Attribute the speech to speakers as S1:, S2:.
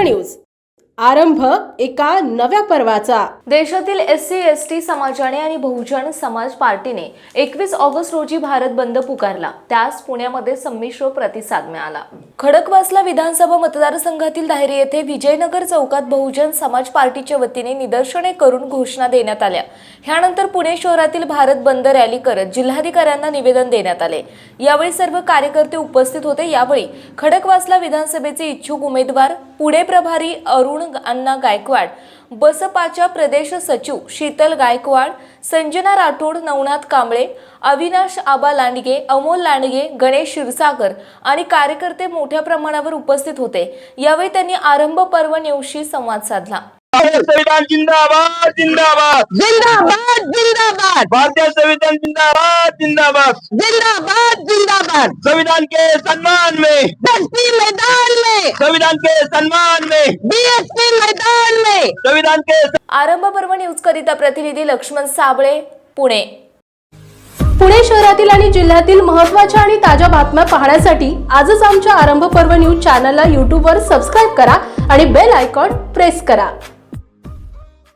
S1: News आरंभ एका नव्या पर्वाचा।
S2: देशातील SC/ST समाजाने आणि बहुजन समाज पार्टीने 21 ऑगस्ट रोजी भारत बंद पुकारला। त्यास पुण्यामध्ये संमिश्र प्रतिसाद मिळाला। खडकवासला विधानसभा मतदारसंघातील दाहेरी येथे विजयनगर चौकात बहुजन समाज पार्टीच्या वतीने निदर्शने करून घोषणा देण्यात आल्या। ह्यानंतर पुणे शहरातील भारत बंद रॅली करत जिल्हाधिकाऱ्यांना निवेदन देण्यात आले। यावेळी सर्व कार्यकर्ते उपस्थित होते। यावेळी खडकवासला विधानसभेचे इच्छुक उमेदवार पुणे प्रभारी अरुण अण्णा गायकवाड, बसपाच्या प्रदेश सचिव शीतल गायकवाड, संजना राठोड, नवनाथ कांबळे, अविनाश आबा लांडगे, अमोल लांडगे, गणेश क्षीरसागर आणि कार्यकर्ते मोठ्या प्रमाणावर उपस्थित होते। यावेळी त्यांनी आरंभ पर्व न्यूजशी संवाद साधला।
S3: संविधान जिंदाबाद जिंदाबाद
S4: जिंदाबाद जिंदाबाद
S3: भारतीय संविधान जिंदाबाद जिंदाबाद
S4: जिंदाबाद जिंदाबाद
S3: संविधान के सम्मान में
S4: BSP मैदान में
S3: संविधान के सम्मान में
S4: BSP मैदान में
S3: संविधान के
S2: आरंभ पर्व न्यूज करिता प्रतिनिधी लक्ष्मण साबळे, पुणे।
S1: पुणे शहरातील आणि जिल्ह्यातील महत्त्वाच्या आणि ताज्या बातम्या पाहण्यासाठी आजच आमच्या आरंभ पर्व न्यूज चॅनलला YouTube वर सबस्क्राइब करा आणि बेल आयकॉन प्रेस करा।